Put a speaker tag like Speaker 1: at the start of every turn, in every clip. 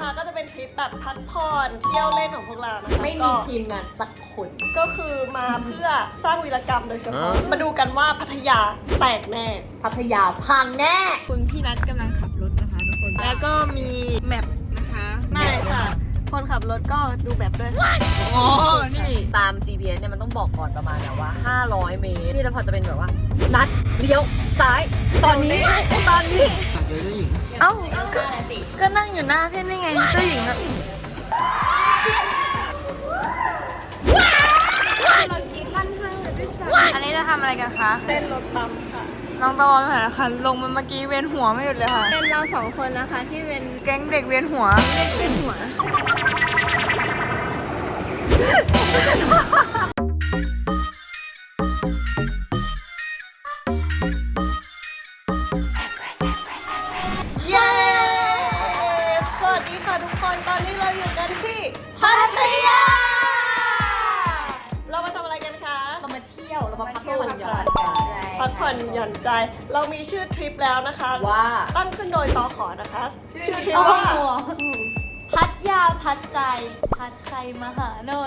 Speaker 1: นะคะก็จะเป็นทริปแบบพักผ่อนเที่ยวเล่นของพวกเรานะคะ
Speaker 2: ไม่มีทีมงานสักคน
Speaker 1: ก็คือมาเพื่อสร้างวีรกรรมโดยเฉพาะมาดูกันว่าพัทยาแตกแน่
Speaker 2: พัทยาพังแน่
Speaker 3: คุณพี่นัทกำลังขับรถนะคะทุกคน แล้วก็มีแมปนะคะ
Speaker 1: ไม่ค่ะ คนขับรถก็ดูแบบด้วย
Speaker 3: อ๋อ นี่
Speaker 2: ตาม GPS เนี่ยมันต้องบอกก่อนประมาณแบบว่า 500 เมตร นี่จะพอจะเป็นแบบว่า นัดเลี้ยวซ้าย ตอนนี้
Speaker 3: เอ้าก็นั่งอยู่หน้าพี่นี่ไงเจ้าหญิงอะอันนี้จะทำอะไรกันคะ
Speaker 1: เต้นรถปั๊มค่ะ
Speaker 3: น้องตะวันผ่านนะคะลงมาเมื่อกี้เวียนหัวไม่หยุดเลยค่ะ
Speaker 4: เป็นเราสองคนนะคะที่เป็น
Speaker 3: แก๊งเด็กเวียนหัว
Speaker 4: เป็นหัว
Speaker 1: เย้ สวัสดีค่ะทุกคน ตอนนี้เราอยู่กันที่พัทยา เรามาทำอะไรกันคะ
Speaker 2: เรามาเที่ยว เรามาพักผ่อนหย่อน
Speaker 1: พักผ่อนหย่อนใจ เรามีชื่อทริปแล้วนะคะ
Speaker 2: ว่า
Speaker 1: ตั้งขึ้นโดยตอขอนะคะ ชื่อทริป
Speaker 4: โอ้
Speaker 1: ว่า
Speaker 4: โห พัดยาพัดใจ พัดใครมาหาหน่อย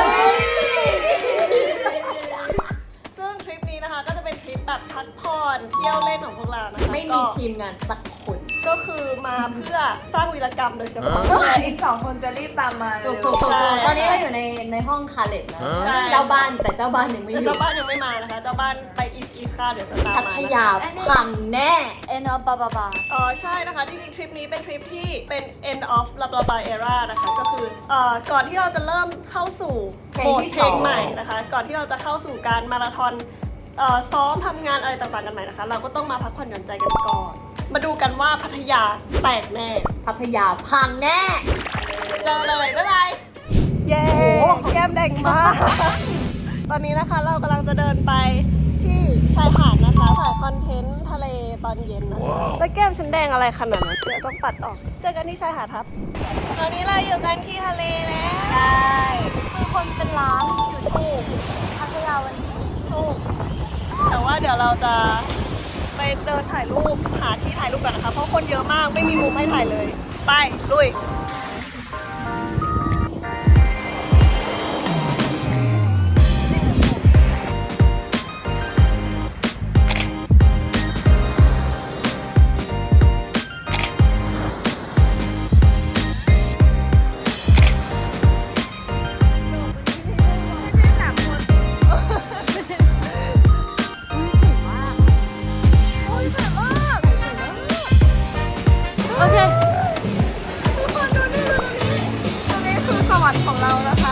Speaker 1: ซึ่งทริปนี้นะคะก็จะเป็นทริปแบบพักผ่อนเที่ยวเล่นของพวกเรานะคะ
Speaker 2: ไม่มีทีมงานสักคน
Speaker 1: ก็คือมาเพื่อสร้างวีรกรรมโดยเฉพาะ
Speaker 3: อีก2 คนจะรีบตามมา
Speaker 2: ถูกตอนนี้เราอยู่ในห้องคาเล็ตนะ
Speaker 1: ใช่
Speaker 2: เจ้าบ้านแต่เจ้าบ้านยังไม่อยู่
Speaker 1: เจ้าบ้านยังไม่มานะคะ เจ้าบ้านไปอีสค่ะเดี๋ยวจะตาม
Speaker 2: พั
Speaker 1: มา
Speaker 2: ทยาพังแน่
Speaker 4: เอ็นอปบาบา
Speaker 1: อ๋อใช่นะคะจริงๆทริปนี้เป็นทริปที่เป็น end of blah blah blah era นะคะก็คือก่อนที่เราจะเริ่มเข้าสู่
Speaker 2: เพลง
Speaker 1: โหมด
Speaker 2: ที่
Speaker 1: เพลง
Speaker 2: 2
Speaker 1: ใหม่นะคะ ก่อนที่เราจะเข้าสู่การมาราธอนซ้อมทำงานอะไรต่างๆกันใหม่นะคะ เราก็ต้องมาพักผ่อนหย่อนใจกันก่อน มาดูกันว่าพัทยาแตกแน่
Speaker 2: พัทยาพังแน่
Speaker 1: เจอเลยบ๊ายบายเย้แก้มแดงมาก ตอนนี้นะคะเรากำลังจะเดินไปที่ชายหาดนะคะถ่ายคอนเทนต์ทะเลตอนเย็นนะคะแล้วแก้มฉันแดงอะไรขนาดนั้นเดี๋ยวต้องปัดออก เจอกันที่ชายหาดครับ ตอนนี้เราอยู่กันที่ทะเลแล้ว
Speaker 4: ใช่คือคนเป็นล้านอยู่ถูกพัทยาวันนี้
Speaker 1: ถูกแต่ว่าเดี๋ยวเราจะไปเดินถ่ายรูปหาที่ถ่ายรูปกันนะคะ เพราะคนเยอะมากไม่มีมุมให้ถ่ายเลย ไปลุย
Speaker 3: โอเคทุกคนดูนี่ตรงนี้คือสวรรค์ของเรานะคะ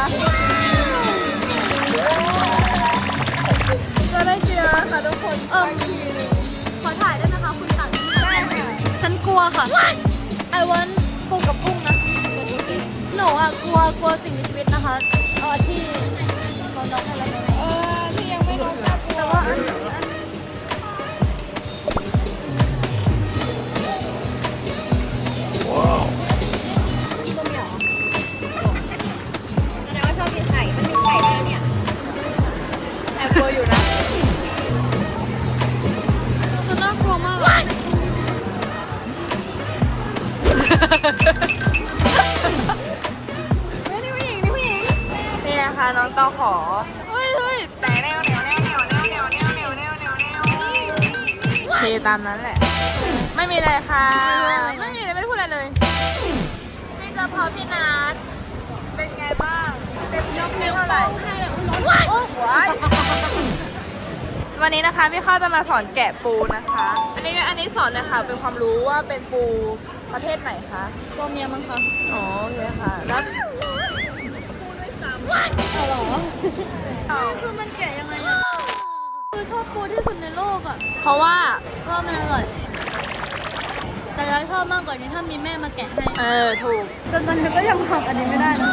Speaker 3: จะได้กินแล้วค่ะทุกคนสักทีหนึง
Speaker 4: ขอถ่ายได้ไหมคะคุณตังฉันกลัวค่ะ I want ปูกับกุ้งนะ หนูอ่ะกลัวสิ่งมีชีวิตนะคะที่เราน้องอะไรนะ
Speaker 3: ที่ยังไม่ลงน่ากลัวแต่ว่าแอบกลัวอยู่นะมันน่ากลัวมากอะนี่ผู้หญิงนี่นะคะน้องเต้าขอเฮ้ยแต่แนวโอเคตามนั้นแหละ ไม่มีอะไรค่ะ ไม่มีอะไรไม่ได้พูดอะไรเลยนี่เจอพอพี่นัทเป็นไงบ้างเต็มยกให้เท่าไหร่ว้ายวันนี้นะคะพี่ข้าวจะมาสอนแกะปูนะคะ อันนี้สอนเลยค่ะเป็นความรู้ว่าเป็นปูประเภทไหนคะ
Speaker 4: ตัวเมียมั้งคะ
Speaker 3: อ๋อโอเคค่ะแล้ว
Speaker 4: คือมันแกะยังไงอะคือชอบปูที่สุดในโลกอะ
Speaker 3: เพราะว่า
Speaker 4: เพราะมันอร่อย แต่เราชอบมากกว่านี้ถ้ามีแม่มาแกะให้
Speaker 3: ถูก
Speaker 4: จนตอนนี้ก็ยังทำอันนี้ไม่ได้นะ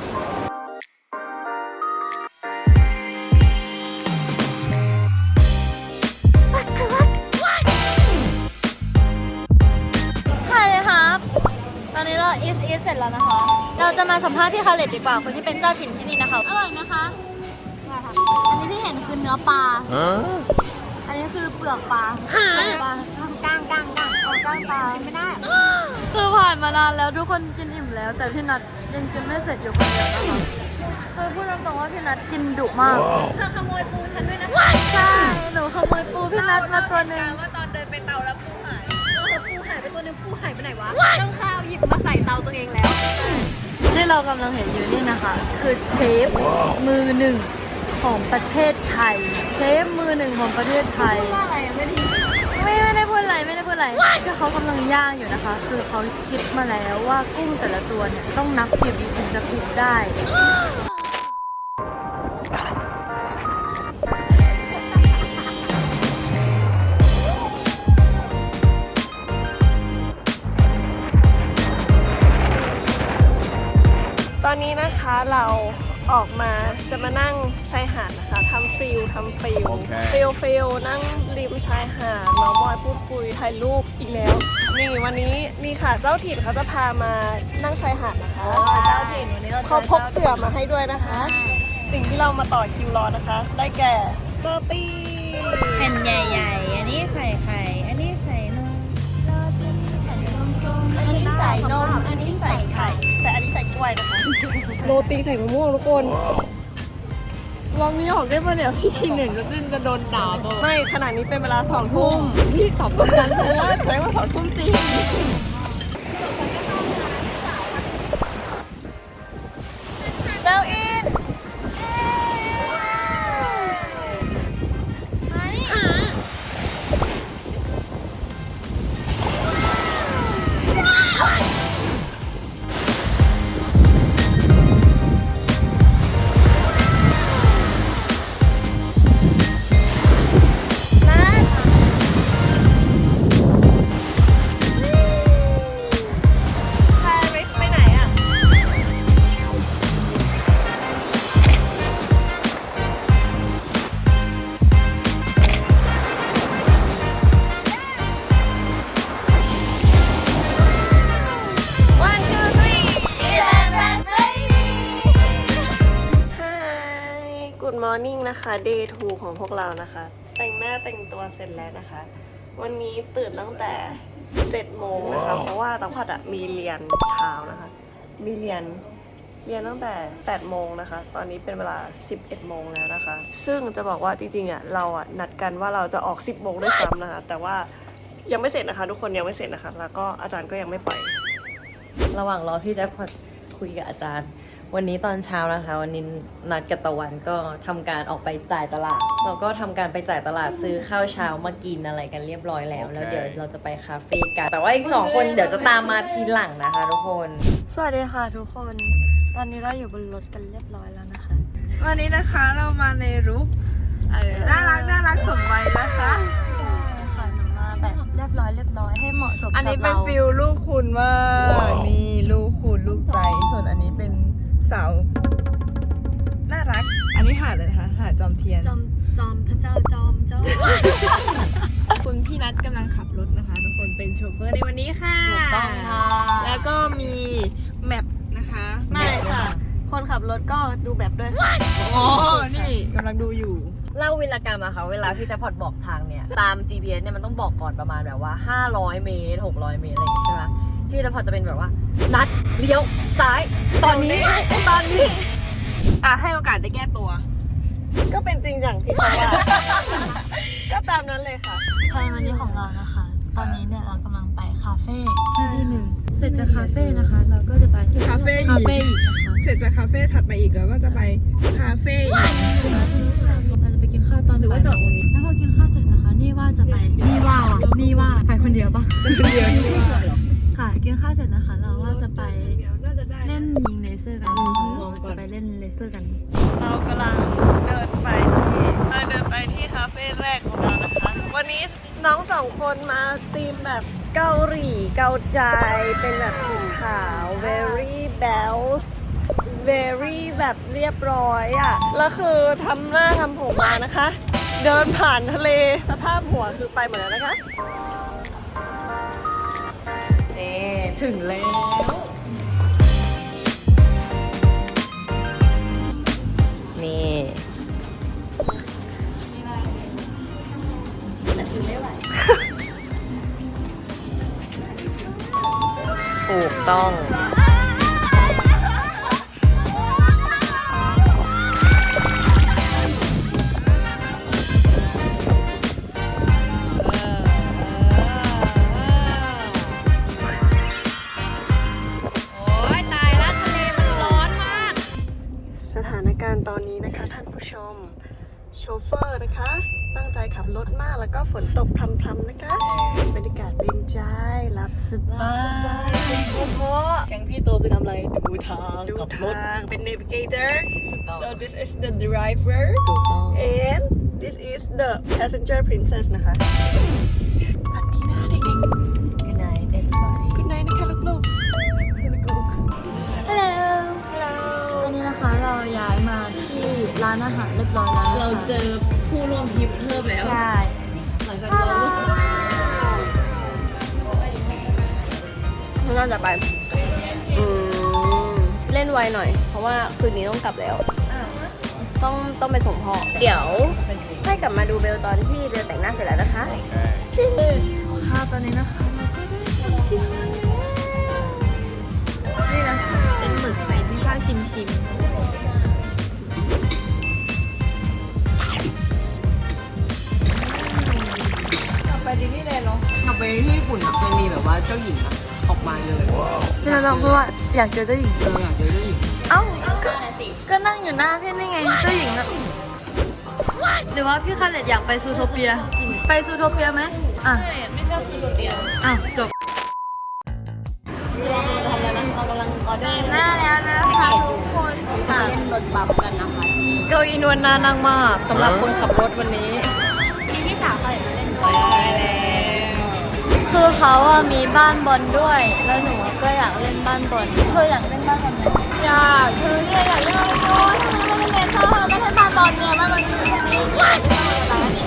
Speaker 4: ใช่เลยครับ ตอนนี้เราอีสเสร็จแล้วนะคะ เราจะมาสัมภาษณ์พี่คาเลตดีกว่า คนที่เป็นเจ้าถิ่นที่นี่นะคะ อร่อยไหมคะอร่อยค่ะ อันนี้ที่เห็นคือเนื้อปลา อันนี้คือเปลือกปลาปลาก้างก้างตาไม่ได้ คือผ่านมานานแล้วทุกคนกินอิ่มแล้ว แต่พี่นัทยังกินไม่เสร็จอยู่คนเดียวนะคะคือพูดตรงๆว่าพี่นัทกินดุมาก
Speaker 1: เธอขโมยปูฉันด้วยนะ
Speaker 4: ใช่หนูขโมยปูพี่นัทมาตัวหนึ่ง
Speaker 1: ว่าตอนเดินไปเตาแล้วปูหาย
Speaker 2: ปูหายไปตัวนึงปูหายไปไหนวะต้องข้าวหยิบมาใส่เตาตัวเองแล้ว
Speaker 4: ที่เรากำลังเห็นอยู่นี่นะคะ คือเชฟมือหนึ่งของประเทศไทย เชฟมือหนึ่งของประเทศไทย
Speaker 2: ว่าอะไรไม่ได้
Speaker 4: ไม่ได้พูดอะไรไม่ได้พูดอะไรคือเขากำลังย่างอยู่นะคะ คือเขาคิดมาแล้วว่ากุ้งแต่ละตัวเนี่ยต้องนับกี่วิถึงจะพิกได้
Speaker 1: ตอนนี้นะคะเราออกมาจะมานั่งชายหาดนะคะทำฟิลฟิลนั่งริมชายหาดเมาท์มอยพูดคุยถ่ายรูปอีกแล้ว นี่วันนี้นี่ค่ะเจ้าถิ่นเขาจะพามานั่งชายหาดนะคะ
Speaker 2: เจ้าถิ่นวันนี้เรา
Speaker 1: เขาพกเสื่อมาให้ด้วยนะคะ สิ่งที่เรามาต่อคิวรอนะคะ ได้แก่โรตี
Speaker 3: แผ่นใหญ่ๆ อันนี้ใส่ไข่ อันนี้ใส่นม
Speaker 1: อันนี้ใส่นมอันนี้ใส่ไข่แต่อันนี้ใส่กล้วยนะคะ โรตีใส่มะม่วงทุกคน
Speaker 3: ลองนี้ออกได้ป่ะเนี่ยพี่ชินเห็นจะโดนด่าตัว
Speaker 1: ไม่ขนาดนี้เป็นเวลา2 ทุ่ม
Speaker 3: พี่ตอบเหมือนกันเพราะว่าแสดงว่า2 ทุ่มจริง
Speaker 1: เบลอิน ปารีสไปไหนอ่ะ Hi Good morning นะคะ Day 2 ของพวกเรานะคะ แต่งหน้าแต่งตัวเสร็จแล้วนะคะ วันนี้ตื่นตั้งแต่ 7 โมงนะคะ เพราะว่าตั้งพัดอะมีเรียนเช้านะคะ มีเรียนตั้งแต่ 8 โมงนะคะ ตอนนี้เป็นเวลา 11 โมงแล้วนะคะ ซึ่งจะบอกว่าจริงๆอะเราอะนัดกันว่าเราจะออก 10 โมงด้วยซ้ำนะคะ แต่ว่ายังไม่เสร็จนะคะ ทุกคนยังไม่เสร็จนะคะ แล้วก็อาจารย์ก็ยังไม่ปล่อย
Speaker 2: ระหว่างรอพี่แจ็คพอตคุยกับอาจารย์ วันนี้ตอนเช้านะคะ วันนี้นัดกับตะวันก็ทำการออกไปจ่ายตลาดเราก็ทำการไปจ่ายตลาดซื้อข้าวเช้ามากินอะไรกันเรียบร้อยแล้ว แล้วเดี๋ยวเราจะไปคาเฟ่กัน แต่ว่าอีก2 คนเดี๋ยวจะตามมาทีหลังนะคะทุกคน
Speaker 4: สวัสดีค่ะทุกคน ตอนนี้เราอยู่บนรถกันเรียบร้อยแล้วนะคะ
Speaker 3: วันนี้นะคะเรามาในรุกน่ารักสมวัยนะคะ
Speaker 4: ใช่ค่ะหนูมาแบบเรียบร้อยให้เหมาะสมกับเรา
Speaker 3: อันนี้เป็นฟิลลูกคุณมากนี่ลูกคุณลูกใจ ส่วนอันนี้เป็นสาวน่ารัก อันนี้หาดเลยนะคะหาดจอมเทียน
Speaker 4: จอมพระเจ้าจอม
Speaker 3: คุณพี่นัทกำลังขับรถนะคะ ทุกคนเป็นโชเฟอร์ในวันนี้ค่ะ
Speaker 2: ถูกต้องค่ะ
Speaker 3: แล้วก็มีแมปนะคะ
Speaker 1: ไม่ค่ะ คนขับรถก็ดูแบบด้วยค่ะ
Speaker 3: อ๋อ นี่กำลังดูอยู่
Speaker 2: เล่าวีรกรรมอะค่ะเวลาพี่แจ็คพอตบอกทางเนี่ยตาม GPS เนี่ยมันต้องบอกก่อนประมาณแบบว่า 500 เมตร 600 เมตรอะไรอย่างงี้ใช่ไหมที่แจ็คพอตจะเป็นแบบว่านัดเลี้ยวซ้ายตอนนี้
Speaker 3: อ่ะให้โอกาสได้แก้ตัว
Speaker 1: ก็เป็นจริงอย่างที่เขาว่า ก็ตามนั้นเลยค่ะ
Speaker 4: แพลนวันนี้ของเรานะคะ ตอนนี้เนี่ยเรากำลังไปคาเฟ่ที่หนึ่งเสร็จจากคาเฟ่นะคะ เราก็จะไป
Speaker 3: คาเฟ่อีก
Speaker 4: คาเฟ่อีกนะคะ
Speaker 3: เสร็จจากคาเฟ่ถัดไปอีกแล้วก็จะไปคาเฟ่อีก
Speaker 4: เราจะไปกินข้าวตอน
Speaker 2: หรือว่าจอดตรงนี้
Speaker 4: แล้วพอกินข้าวเสร็จนะคะ นี่ว่าจะไปนี่ว่าไปคนเดียวปะ
Speaker 3: เดียวนี่ว่า
Speaker 4: ค่ะกินข้าวเสร็จนะคะ เราว่าจะไปเล่นยิงเลเซอร์กันนะคะเราจะไปเล่นเลเซอร์กัน
Speaker 1: เรากำลังเดินไปที่คาเฟ่แรกของเรานะคะ วันนี้น้อง2 คนมาธีมแบบเกาหลีเกาใจ เป็นแบบสีขาว very bells very แบบเรียบร้อยอ่ะ แล้วคือทำหน้าทำผมมานะคะ เดินผ่านทะเลสภาพหัวคือไปหมดแล้วนะคะ
Speaker 2: นี่ถึงแล้ว นี่
Speaker 1: แต่คือไม่ไหว
Speaker 2: ต้อง
Speaker 1: สถานการณ์ตอนนี้นะคะท่านผู้ชม โชเฟอร์นะคะ ตั้งใจขับรถมากแล้วก็ฝนตกพรำๆนะคะบรรยากาศเป็นใจหลับสบาย
Speaker 2: แก๊งพี่โตคือทำอะไร ดูทาง
Speaker 1: ดู
Speaker 2: ขับรถ
Speaker 1: ทางเป็น navigator
Speaker 2: ถูกต้อง
Speaker 1: so this is the driver
Speaker 2: ถูกต้อง
Speaker 1: and this is the passenger princess นะคะฝันดีนะเด็ก
Speaker 2: Good night everybody
Speaker 1: ๆ good night นะคะลูกๆ
Speaker 4: ฮัลโหล
Speaker 1: Hello
Speaker 4: วันนี้นะคะเราย้ายมาที่ร้านอาหารเรียบร้อยแล้วนะคะ
Speaker 2: เราเจอผู้ร่วมทริปเพิ่มแล้ว
Speaker 4: ใช่
Speaker 2: หลังจากเรา
Speaker 1: น่าจะไปเล่นไวหน่อย เพราะว่าคืนนี้ต้องกลับแล้ว ต้องไปส่งพ่อ เดี๋ยวให้กลับมาดูเบลตอนที่เบลแต่งหน้าเสร็จแล้วนะคะชิม
Speaker 3: ค่ะตอนนี้นะคะนี่นะเป็นหมึกไข่ที่ข้าชิม
Speaker 1: กลับไปดิสนีย์แลนด์เนาะ
Speaker 2: กลับไปที่ญี่ปุ่นอะเคยมีแบบว่าเจ้าหญิงอะออกมาเลย
Speaker 3: พี่เราต้องพูดว่าอยากเจอเจ้าหญิง
Speaker 2: เราอยากเจอเจ้าหญิง
Speaker 3: เอ้าก็นั่งอยู่หน้าพี่นี่ไงเจ้าหญิงน่ะหรือว่าพี่คาเลตอยากไปซูโทเปีย ไปซูโทเปียไหมอ่ะไม่ชอบซูโทเปียอ้าวจบ
Speaker 4: เรากำลังออเดอร์
Speaker 3: หน้าแล้วนะคะทุกคน
Speaker 4: เล่นรถบัมกันนะคะ
Speaker 2: เก้าอี้นวลน่านั่งมากสำหรับคนขับรถวันนี้
Speaker 4: มีพี่สาวเขาเลยมาเล่นด้วยคือเขาอะมีบ้านบอลด้วย แล้วหนูก็อยากเล่นบ้านบอลเธออยากเล่นบ้านบอลไหม
Speaker 3: อยากเธอเนี่ยอยากเล่นอะไรโน้ทำไมไม่เล่นเข้าเราไม่ใช่บาบอลเนี่ยบาบอลอยู่แค่นี้อยากเล่นอะไรนี่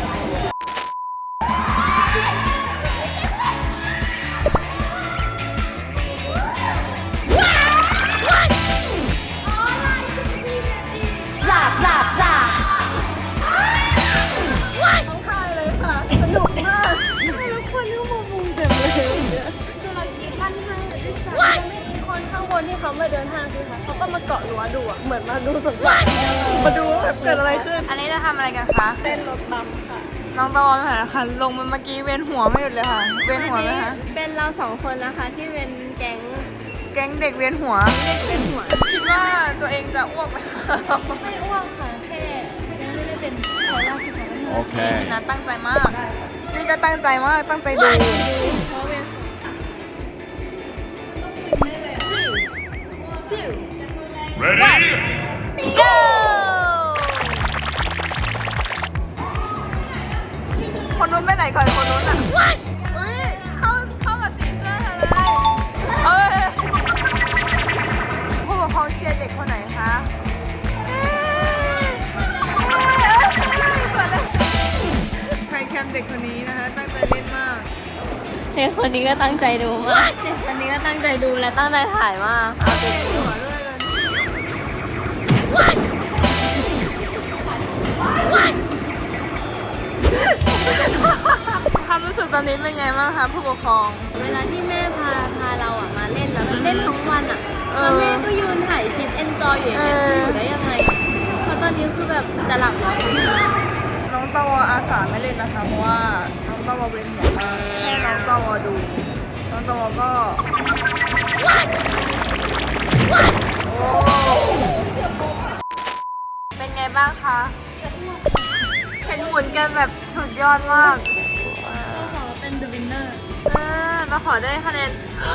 Speaker 1: ต้องค่ายเลยค่ะ สนุกมากทุกคนที่มามุงเต็มเลยเนี่ยคือเรากินท่านห้างด้วยซ้ำไม่มีคนข้างบนที่เขามาเดินห้างใช่ไหมเขาก็มาเกาะรั้วดูอะเหมือนมาดูสดๆมาดูว่าแบบเกิดอะไรขึ้น
Speaker 3: อันนี้จะทำอะไรกันคะ
Speaker 1: เต้นรถบัมค่ะ
Speaker 3: น้องตะวันค่ะค่ะลงมาเมื่อกี้เวียนหัวไม่หยุดเลยค่ะ เวียนหัวไหมคะ
Speaker 1: เป็นเราสองคนนะคะที่เป็นแก๊ง
Speaker 3: แก๊งเด็กเวียนหัว
Speaker 1: เล่นหัว
Speaker 3: คิดว่าตัวเองจะอ้วกไหมคะ
Speaker 4: ไม่อ้วกค่ะแค่ยังไม่ได้เป็นขอลาศึกษาแล้ว
Speaker 3: นี่นะตั้งใจมาก นี่ก็ตั้งใจมาก ตั้งใจดู
Speaker 1: เพราะเป็น
Speaker 3: go คนนู้นไปไหนก่อนคนนู้นอ่ะอุ้ยเข้ากับสีเสื้อเธอเลยเอ้ยผู้ปกครองเชียร์เด็กคนไหนคะใครแคมเด็กคนนี้นะคะตั้งใจเล่นมาก
Speaker 1: เด็กคนนี้ก็ตั้งใจดูมากเด็กคนนี้ก็ตั้งใจดูและตั้งใจถ่ายมาก
Speaker 3: เอาเด็กหัวด้วยเลยความรู้สึกตอนนี้เป็นไงบ้างคะผู้ปกครอง
Speaker 1: เวลาที่แม่พาเราอ่ะมาเล่นแล้วเล่นทั้งวันอ่ะแล้วแม่ก็ยืนถ่ายคลิปเอนจอยอยู่อย่างเงี้ยอยู่ได้ยังไงอะเพราะตอนนี้คือแบบจะหลับแล้ว
Speaker 3: น้องตะวออาสาไม่เล่นนะคะเพราะว่าน้องตะวอเวียนหัวมากให้น้องตะวอดู น้องตะวอก็โอ้เป็นไงบ้างคะเห็นหมุนกันแบบสุดยอดมาก
Speaker 4: ขอเป็น the winner
Speaker 3: มาขอได้คะแนน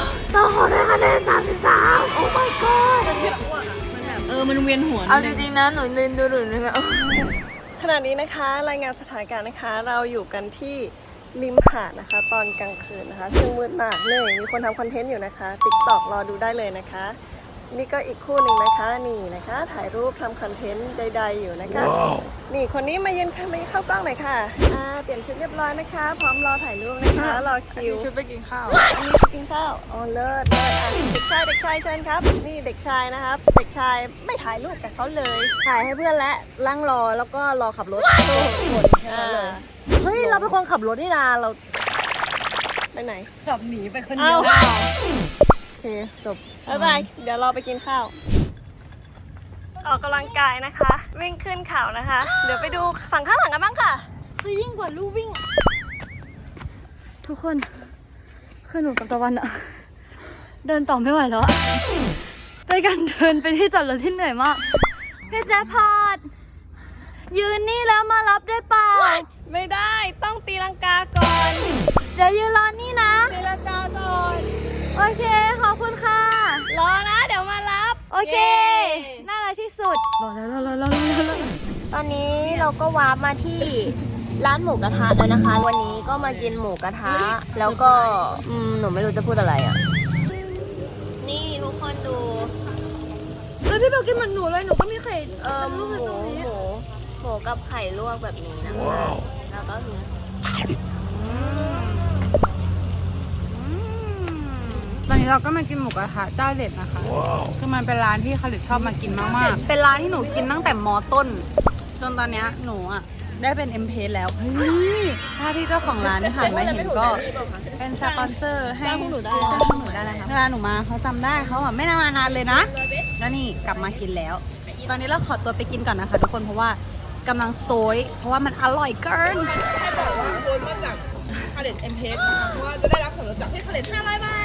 Speaker 4: 33 โอ้ my god
Speaker 2: มันเวียนหัว
Speaker 3: เอาจริงๆนะหนูลืมดูหนูนึกว่า
Speaker 1: ขณะนี้นะคะรายงานสถานการณ์นะคะ เราอยู่กันที่ริมหาดนะคะ ตอนกลางคืนนะคะซึ่งมืดมากเลยมีคนทำคอนเทนต์อยู่นะคะ TikTok รอดูได้เลยนะคะ นี่ก็อีกคู่หนึ่งนะคะนี่นะคะ ถ่ายรูปทำคอนเทนต์ใดๆอยู่นะคะ นี่คนนี้มายืนมาเข้ากล้องหน่อยค่ะเปลี่ยนชุดเรียบร้อยนะคะ พร้อมรอถ่ายรูปนะคะรอคิว
Speaker 3: ชุดไปกินข้าว
Speaker 1: อันนี้กินข้าวอ๋อเลิศเด็กชายเชิญครับ นี่เด็กชายนะครับ เด็กชายไม่ถ่ายรูปกับเขาเลย
Speaker 2: ถ่ายให้เพื่อนและนั่งรอแล้วก็รอขับรถคนแค่นั้นเลย เฮ้ย เราเป็นคนขับรถนี่นาเรา
Speaker 1: ไปไหน
Speaker 2: ขับหนีไปคนเดี
Speaker 1: เอ้า
Speaker 2: ยว
Speaker 3: จบ
Speaker 1: บ๊ายบายเดี๋ยวเราไปกินข้าว ออกกำลังกายนะคะ วิ่งขึ้นเขานะคะ เดี๋ยวไปดูฝั่งข้างหลังกันบ้างค่ะ
Speaker 4: คือยิ่งกว่าลู่วิ่ง ทุกคนคือหนูกับตะวันอะเดินต่อไม่ไหวแล้วอะไปกันเดินไปที่จอดรถที่เหนื่อยมากพี่แจ๊พอดยืนนี่แล้วมารับได้เปล่า
Speaker 1: ไม่ได้ต้องตีลังกาก่อน
Speaker 4: เดี๋ยวยืนรอนี่นะ
Speaker 1: ตีลังกาก่อน
Speaker 4: โอเคขอบคุณค่ะ
Speaker 1: รอนะเดี๋ยวมารับ
Speaker 4: โอเค น่ารักที่สุดรอแล้วตอนนี้เราก็วาร์ปมาที่ร้านหมูกระทะแล้วนะคะ วันนี้ก็มากินหมูกระทะ แล้วก็หนูไม่รู้จะพูดอะไรอ่ะ นี่ทุกคนดู
Speaker 1: แล้วพี่เบลกินเหมือนหนูเลยหนูก็มีไข่
Speaker 4: หมูกับไข่ลวกแบบนี้นะคะ แล้วก็คือ
Speaker 3: ตอนนี้เราก็มากินหมูกระทะเจ้าเด็ดนะคะ คือมันเป็นร้านที่คาริชอบมากินมากๆ เป็นร้านที่หนูกินตั้งแต่มต้น จนตอนเนี้ยหนูอ่ะได้เป็น M เพแล้ว เฮ้ย ถ้าที่เจ้าของร้านผ่านมาเห็นก็เป็นสปอนเซอร์ให้จ้างพวกหนูได้นะคะเวลาหนูมาเขาจำได้เขาอ่ะไม่นานเลยนะ แล้วนี่กลับมากินแล้ว ตอนนี้เราขอตัวไปกินก่อนนะคะทุกคน เพราะว่ากำลังโซย เพราะว่ามันอร่อยเกิน
Speaker 5: คาเด็ดเอ็มเพสนะคะเพราะว่าจะได้รับส่วนลดจากที่คาเด็ด500 บาท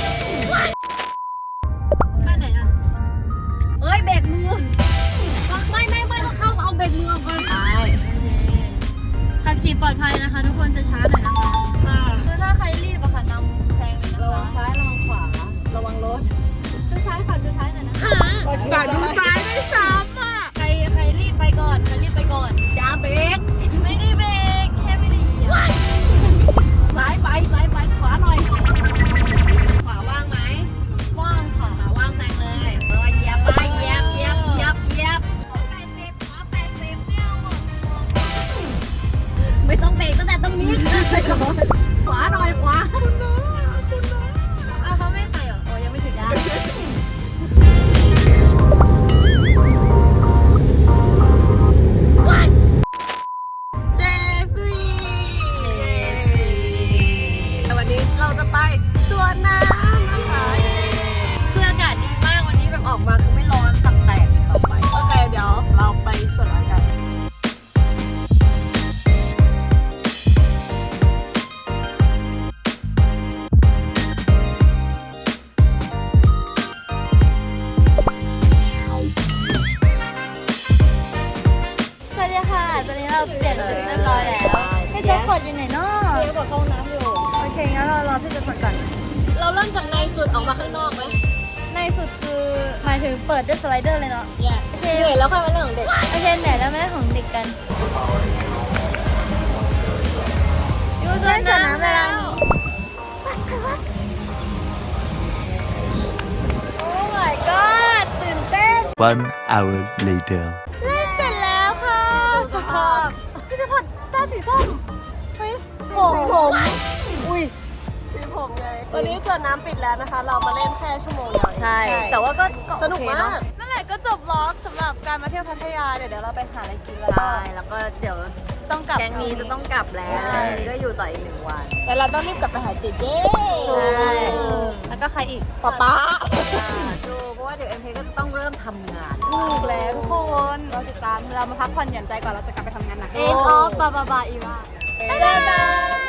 Speaker 4: ไปไหนอ่ะเอ้ยเบรกมือไม่ต้องเข้าเอาเบรกมือก่อนไปขับขี่ปลอดภัยนะคะ ทุกคนจะช้าหน่อยนะคะคือถ้าใครรีบอะค่ะนำแซงเลยนะคะ
Speaker 2: ระวังซ้ายระวังขวา ระวังรถ
Speaker 4: คือซ้ายค่ะคือซ้ายหน่อยนะ
Speaker 5: บาทดูซ้ายไม่ซ้ำอ่ะ
Speaker 4: ใครรีบไปก่อนอย่าเบรกไม่ได้เบรกแค่ไม่ได้เหยียบ
Speaker 2: ซ้ายไปขวาหน่อย ขวาว่างไหม
Speaker 4: ว่างค่ะ
Speaker 2: ขวาว่างแซงเลยเหยียบไปเหยียบ80ขวา80ไม่ต้องเบรกตั้งแต่ตรงนี้เลยก่อนขวาหน่อยขวา
Speaker 4: อ้าวเขาไม่ไปเหรอโอ้ยังไม่ถึงยาน
Speaker 1: เจสวีวันนี้เราจะไปสวนน้ำนะคะ
Speaker 2: คืออากาศดีมากวันนี้แบบออกมาคือไม่ร้อนตับแตกต่อไป
Speaker 1: โอเคเดี๋ยวเราไปสวนน้ำกัน
Speaker 4: สวัสดีค่ะ ตอนนี้เราเปลี่ยนชุดเรียบร้อยแล้วพี่แจ็คพอตอยู่ไหนเนาะ
Speaker 2: เดี๋ยวกดเข้าห้องน้ำอยู่
Speaker 4: โอเคงั้นเรารอพี่แจ็คพอตก่อน
Speaker 2: เราเริ่มจากในสุดออกมาข้างนอกไหม
Speaker 4: ในสุดคือหมายถึงเปิดด้วยสไลเดอร์เลยเนาะ
Speaker 2: yes
Speaker 4: โอเค
Speaker 2: เหนื่อยแล้วค่ะเป็นเรื่องของเด็ก
Speaker 4: โอเคไหนแล้วแม่ของเด็กกันอยู่สวนน้ำแล้วโอ้ my god ตื่นเต้น
Speaker 6: One hour later.
Speaker 4: เล่นเสร็จแล้วค่ะสภาพพี่แจ็คพอตตาสีส้มเฮ้ยผม
Speaker 1: อุ้ยสีผมไงตอนนี้สวนน้ำปิดแล้วนะคะ เรามาเล่นแค่ชั่วโมงเดียวเอง
Speaker 2: ใช่ แต่ว่าก็
Speaker 1: สนุกมาก
Speaker 4: นั่นแหละก็จบวอล์กสำหรับการมาเที่ยวพัทยาเดี๋ยวเราไปหาอะไรกินแล้ว
Speaker 2: ใช่แล้วก็เดี๋ยว
Speaker 4: ต้องกลับ
Speaker 2: แก๊งนี้จะต้องกลับแล้ว
Speaker 4: ใช่
Speaker 2: ก็อยู่ต่ออีก1 วัน
Speaker 3: แต่เราต้องรีบกลับไปหาเจเจ
Speaker 4: ใช่แล้วก็ใครอีก
Speaker 1: ป๊า
Speaker 2: ดูเพราะว่าเดี๋ยวเอ็มเพก็จะต้องเริ่มทำงาน
Speaker 3: ถูกแล้วทุกคนเราติดตามเรามาพักผ่อนหย่อนใจก่อนเราจะกลับไปทำงานหนัก
Speaker 4: End of บาอีว่า
Speaker 3: เจอกัน